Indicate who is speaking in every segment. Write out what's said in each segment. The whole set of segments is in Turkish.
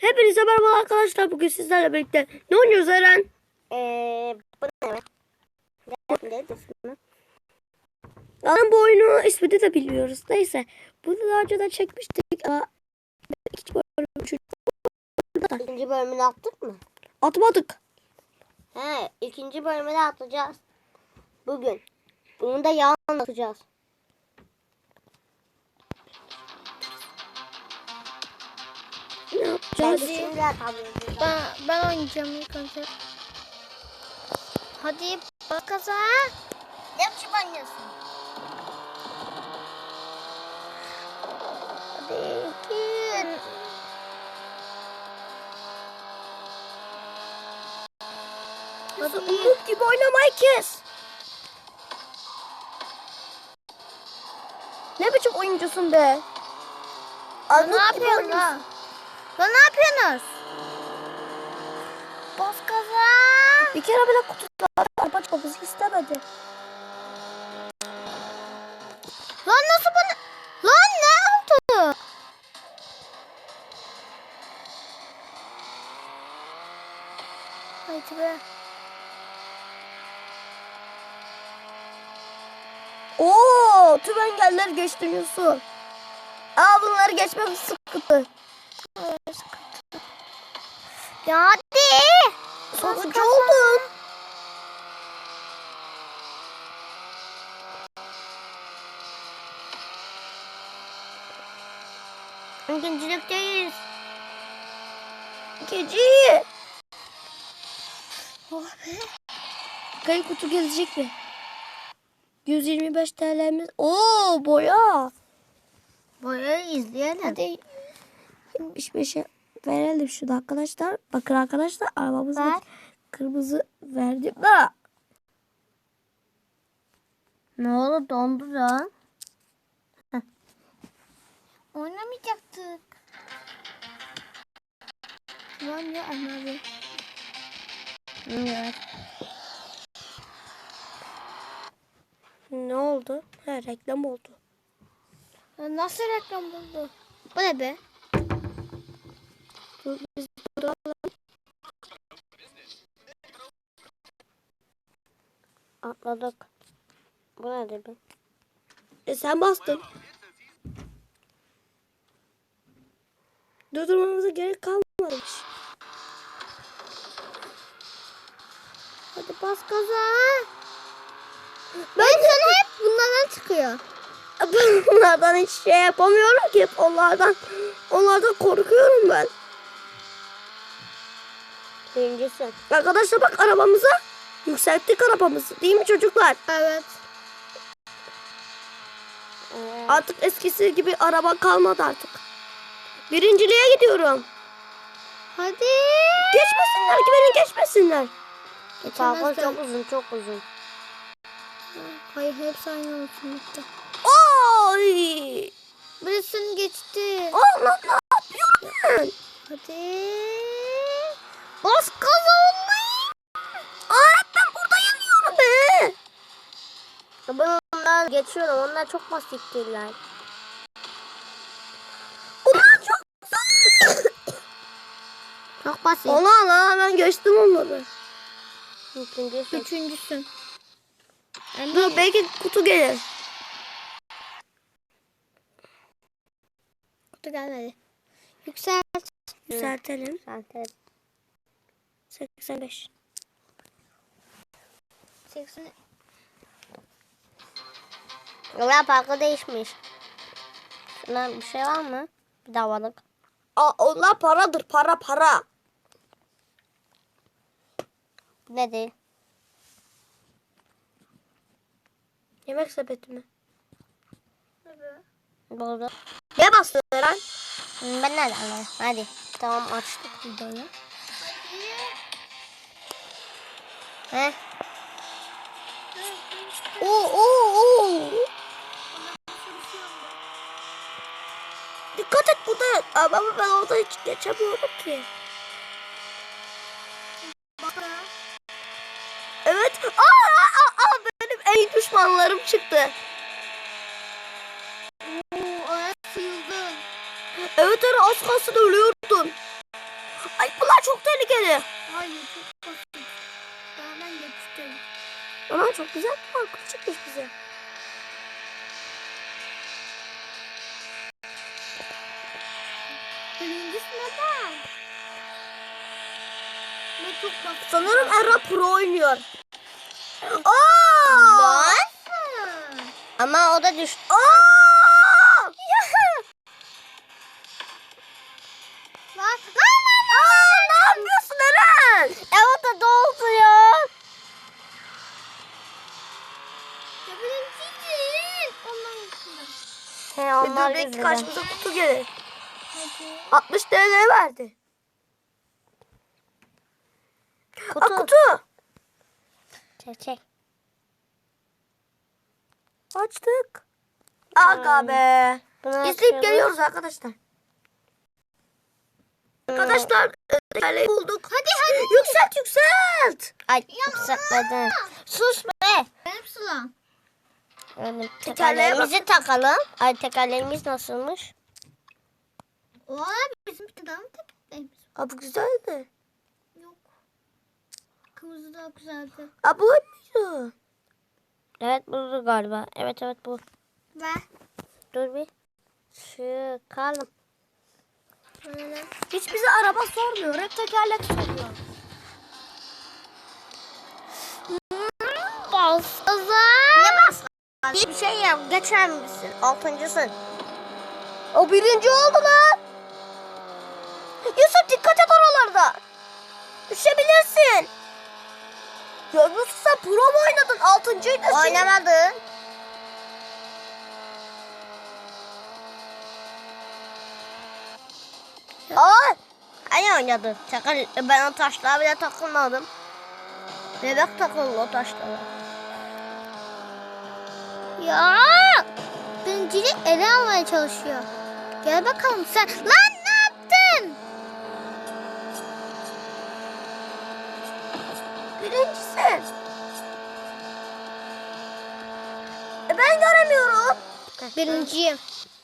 Speaker 1: Hepinize merhaba arkadaşlar. Bugün sizlerle birlikte ne oynuyoruz Eren?
Speaker 2: Bu ne? Ne ismi?
Speaker 1: Zaten bu oyunu ismini de biliyoruz. Neyse. Bunu daha önceden çekmiştik ama ikinci bölüm, üçüncü bölüm
Speaker 2: İkinci bölümünü attık mı?
Speaker 1: atmadık.
Speaker 2: He, ikinci bölümünü atacağız. Bugün. Bunu da yarın anlatacağız.
Speaker 1: Ne yapacağız?
Speaker 2: Hadi. Şimdi atabiliriz.
Speaker 3: Ben oynayacağım ilk önce. Hadi bak kaza.
Speaker 2: Ne biçim oynuyorsun?
Speaker 3: Hadi git.
Speaker 1: Hadi umut gibi oynamayı kes. Ne biçim oyuncusun be?
Speaker 3: Ne yapıyorsun lan? Lan ne yapıyorsunuz? Bas kaza.
Speaker 1: Bir kere bile kutuda araba çıkmamızı istemedi.
Speaker 3: Lan nasıl bana? Lan ne oldu? Haydi be.
Speaker 1: Oo, tüm engelleri geçtin Yusuf. Bunları geçmek sıkıntı.
Speaker 3: Ya hadi.
Speaker 1: Sonuncu oldum.
Speaker 2: İkincilikteyiz.
Speaker 1: Gece.
Speaker 3: Oh be.
Speaker 1: Kayıp kutu gelecek mi? 125 TL'miz. Oo, boya.
Speaker 3: Boyayı izleyelim.
Speaker 1: Hadi 75'e verelim şunu arkadaşlar. Bakın arkadaşlar arabamızda
Speaker 3: Ver.
Speaker 1: kırmızı verdim. Ha.
Speaker 2: Ne oldu? Dondu da.
Speaker 3: Oynamayacaktık. Lan ya anladım.
Speaker 2: Evet.
Speaker 1: Ne oldu? Ha, reklam oldu.
Speaker 3: Nasıl reklam buldu? Bu ne be?
Speaker 1: Dur, biz burada
Speaker 2: Atladık. Bu ne be?
Speaker 1: sen bastın. Durdurmamıza gerek kalmamış.
Speaker 3: Hadi bas gaza. Ben sana hep bunlardan çıkıyor.
Speaker 1: Bunlardan hiç şey yapamıyorum ki. Onlardan korkuyorum ben.
Speaker 2: Birincisi.
Speaker 1: Arkadaşlar bak arabamıza. Yükselttik arabamızı. Değil mi çocuklar?
Speaker 3: Evet.
Speaker 1: Artık eskisi gibi araba kalmadı artık. Birinciliğe gidiyorum.
Speaker 3: Hadi.
Speaker 1: Geçmesinler ki beni geçmesinler.
Speaker 2: Parkur
Speaker 3: Geçemezler.
Speaker 2: çok uzun, çok uzun.
Speaker 3: Hayır hepsi aynı olsun lütfen.
Speaker 1: Oy!
Speaker 3: Birisini geçti.
Speaker 1: Allah ne yapıyorsun?
Speaker 3: Hadi. Bas gaza olmayı.
Speaker 1: Ben burada yanıyorum be.
Speaker 2: Bunlar geçiyorum. Onlar çok basittirler.
Speaker 1: Bunlar çok güzel.
Speaker 2: Çok basit.
Speaker 1: Allah ben geçtim onları.
Speaker 2: İkincisi.
Speaker 3: Üçüncüsün.
Speaker 1: Dur belki kutu gelir.
Speaker 3: Kutu gelmedi. Yükselt.
Speaker 1: Yükseltelim.
Speaker 2: Zaten.
Speaker 1: 85.
Speaker 3: 80.
Speaker 2: Yola parkı değişmiş. Şuna bir şey var mı? Bir davalık.
Speaker 1: Onlar paradır. Para.
Speaker 2: Bu ne değil?
Speaker 1: Yemek sepeti mi?
Speaker 2: Doğru.
Speaker 1: Ne bastın Eren?
Speaker 2: Ben nereden anlayayım? Hadi. Tamam açtık videoyu. Heh.
Speaker 1: Oo. Dikkat et burada. Ama ben orada hiç geçemiyorum ki. Evet. Benim en iyi düşmanlarım çıktı.
Speaker 3: Orası yıldız.
Speaker 1: Evet Eren az kalsın ölüyordun. Onlar çok tehlikeli.
Speaker 3: Hayır çok basit. Ben geçtim.
Speaker 1: Ama çok güzel bir parkur çıkmış bize.
Speaker 3: Birincisi neden? Ne çok basit.
Speaker 1: Sanırım Erra Pro oynuyor. Aa!
Speaker 2: Ama o da düştü.
Speaker 1: Aa!
Speaker 3: Lan
Speaker 1: Aa, ne yapıyorsun Eren?
Speaker 2: Evet de doldu ya.
Speaker 3: Ya birincisin. Ondan yüzünden.
Speaker 2: He onlar
Speaker 1: Dur belki
Speaker 2: yüzünden.
Speaker 1: karşımıza kutu gelir.
Speaker 3: Hadi.
Speaker 1: 60 TL verdi.
Speaker 2: Kutu.
Speaker 1: Aa, kutu.
Speaker 2: Çek.
Speaker 1: Açtık. Aga be.
Speaker 2: Bunu
Speaker 1: İzleyip
Speaker 2: açıyoruz.
Speaker 1: geliyoruz arkadaşlar. Arkadaşlar tekerleği bulduk.
Speaker 3: Hadi.
Speaker 1: Yükselt.
Speaker 2: Ay yükseltmeden. Sus be.
Speaker 3: Benim sıram.
Speaker 2: Öyle
Speaker 1: Tekerleğe
Speaker 2: tekerleğimizi takalım. Ay tekerleğimiz nasılmış?
Speaker 3: O bizim bir tane daha mı tekerleğimiz?
Speaker 1: Aa, bu güzeldi.
Speaker 3: Yok. Kırmızı daha güzeldi.
Speaker 1: Aa, bu muydu?
Speaker 2: Evet bu galiba. Evet bu.
Speaker 3: Ver.
Speaker 2: Dur bir. Çıkalım.
Speaker 3: Böyle.
Speaker 1: Hiç bize araba sormuyor. Hep tekerlek soruyor.
Speaker 3: Baskaza.
Speaker 2: Ne bas? Bir şey yap. Geçer misin? 6.sın.
Speaker 1: O birinci oldu lan. Yusuf dikkat et oralarda. Düşebilirsin. Ya Yusuf sen pro mu oynadın? Altıncıydı.
Speaker 2: Oynamadın.
Speaker 1: Aa,
Speaker 2: Hani oynadın? Ben o taşlara bile takılmadım. Bebek takıldı o taşlara.
Speaker 3: Ya. Birincilik ele almaya çalışıyor. Gel bakalım sen. Lan ne yaptın?
Speaker 1: birincisin. Ben göremiyorum.
Speaker 3: Birinciyim.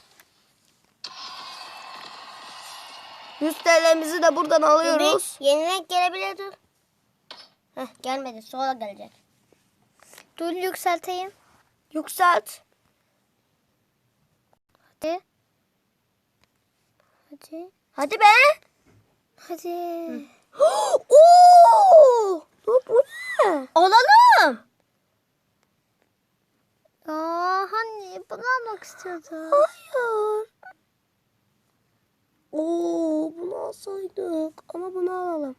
Speaker 1: 100 TL'mizi de buradan alıyoruz.
Speaker 2: Yeni renk gelebilir dur. Heh, gelmedi sonra gelecek.
Speaker 3: Dur yükselteyim.
Speaker 1: Yükselt.
Speaker 3: Hadi. Hadi.
Speaker 1: Hadi be.
Speaker 3: Hadi.
Speaker 1: Oo! Dur, bu ne?
Speaker 2: Olalım.
Speaker 3: Aa, hani bunu almak istiyordum.
Speaker 1: Hayır. Oo, bunu alsaydık. Ama bunu alalım.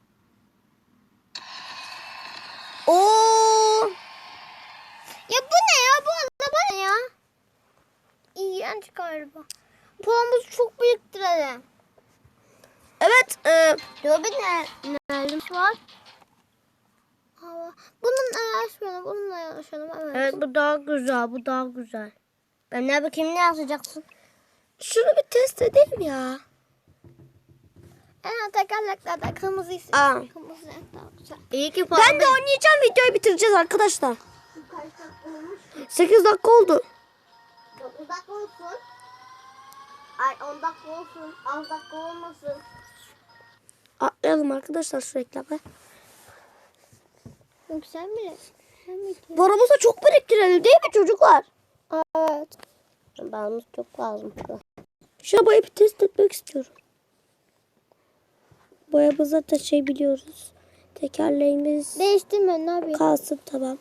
Speaker 1: Oo!
Speaker 3: Ya bu ne ya? Bu araba ne ya? İğrenç galiba. Puanımızı çok biriktirelim.
Speaker 1: Evet.
Speaker 2: Dur bir
Speaker 3: Neyimiz var? Hava. Bununla yarışmayalım. Bununla yarışalım. Evet.
Speaker 2: Evet bu daha güzel. Bu daha güzel. Ben ne bakayım ne yazacaksın?
Speaker 1: Şunu bir test edelim ya.
Speaker 3: En tekerleklerde kırmızı isim.
Speaker 1: Aa.
Speaker 3: Kırmızı renk daha güzel.
Speaker 2: İyi ki
Speaker 1: Ben de oynayacağım. Videoyu bitireceğiz arkadaşlar. 8 dakika oldu.
Speaker 2: 9 dakika olsun. Ay 10 dakika olsun. 10 dakika olmasın.
Speaker 1: Atlayalım arkadaşlar şu reklamı.
Speaker 3: Güzel mi?
Speaker 1: Paramızı çok biriktirelim değil mi çocuklar?
Speaker 3: Evet.
Speaker 2: Bağımız çok lazım.
Speaker 1: Şu arabayı bir test etmek istiyorum. Boyamızı taşıyabiliyoruz. Tekerleğimiz
Speaker 3: Değiştirme ne yapayım?
Speaker 1: kalsın tamam.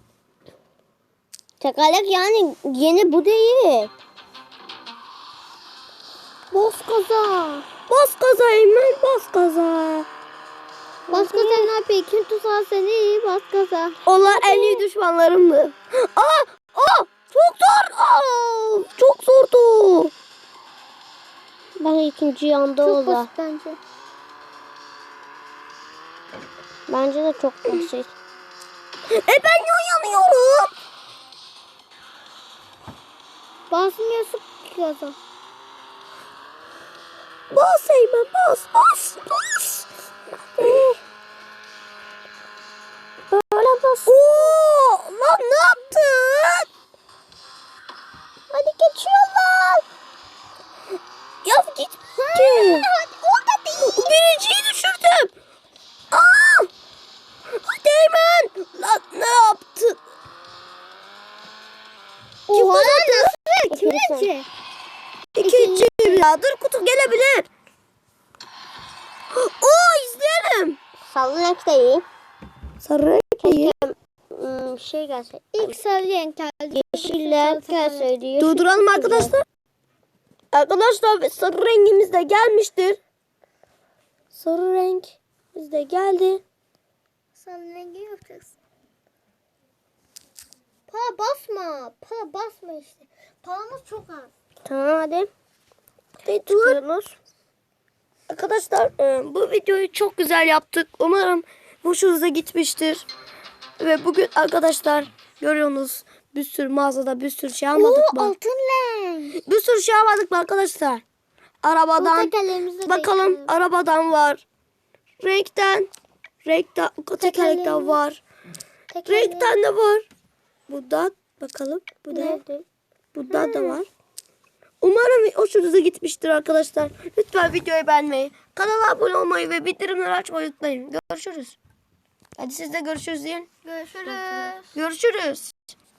Speaker 2: Tekerlek yani yeni bu değil.
Speaker 3: Bas gaza.
Speaker 1: Bas gaza Eymen, bas gaza.
Speaker 3: Bas gaza ne yapayım? Kim tutar seni? Bas gaza.
Speaker 1: Onlar en iyi düşmanlarımdı. Aa, çok zor. Aa, çok zordu.
Speaker 2: Ben ikinci yanda
Speaker 3: Çok
Speaker 2: ola.
Speaker 3: basit bence.
Speaker 2: Bence de çok basit.
Speaker 1: Ben yanıyorum.
Speaker 3: Basmıyorsun ki gaza.
Speaker 1: Bas Eymen, bas. Böyle bas. Oo, lan ne yaptın?
Speaker 3: Hadi geçiyorlar.
Speaker 1: Ya git.
Speaker 3: Hadi orada değil.
Speaker 1: Birinciyi düşürdü. gelebilir. Oo izleyelim.
Speaker 2: Sarı renk de iyi.
Speaker 1: Sarı renk iyi.
Speaker 2: Şey gelse.
Speaker 3: İlk sarı renk geldi.
Speaker 2: Yeşiller gelseydi. Yeşil
Speaker 1: Durduralım
Speaker 2: çok güzel.
Speaker 1: arkadaşlar. Arkadaşlar sarı rengimiz de gelmiştir. Sarı rengimiz de geldi.
Speaker 3: Sarı rengi yapacaksın. Pa basma. Pa basma işte. Paramız çok az.
Speaker 2: Tamam hadi.
Speaker 1: Hadi dur. Arkadaşlar bu videoyu çok güzel yaptık. Umarım hoşunuza gitmiştir. Ve bugün arkadaşlar görüyorsunuz bir sürü mağazada bir sürü şey almadık mı?
Speaker 3: Altın renk.
Speaker 1: Bir sürü şey almadık mı arkadaşlar? Arabadan
Speaker 3: Tekerlerimizi de
Speaker 1: bakalım
Speaker 3: değiştirelim.
Speaker 1: arabadan var. Renkten tekerlekten var. Renkten de var. Buradan bakalım. Bu da.
Speaker 2: Nerede?
Speaker 1: Bundan da var. Umarım hoşunuza gitmiştir arkadaşlar. Lütfen videoyu beğenmeyi, kanala abone olmayı ve bildirimleri açmayı unutmayın. Görüşürüz. Hadi siz de görüşürüz deyin.
Speaker 3: Görüşürüz.
Speaker 1: Görüşürüz.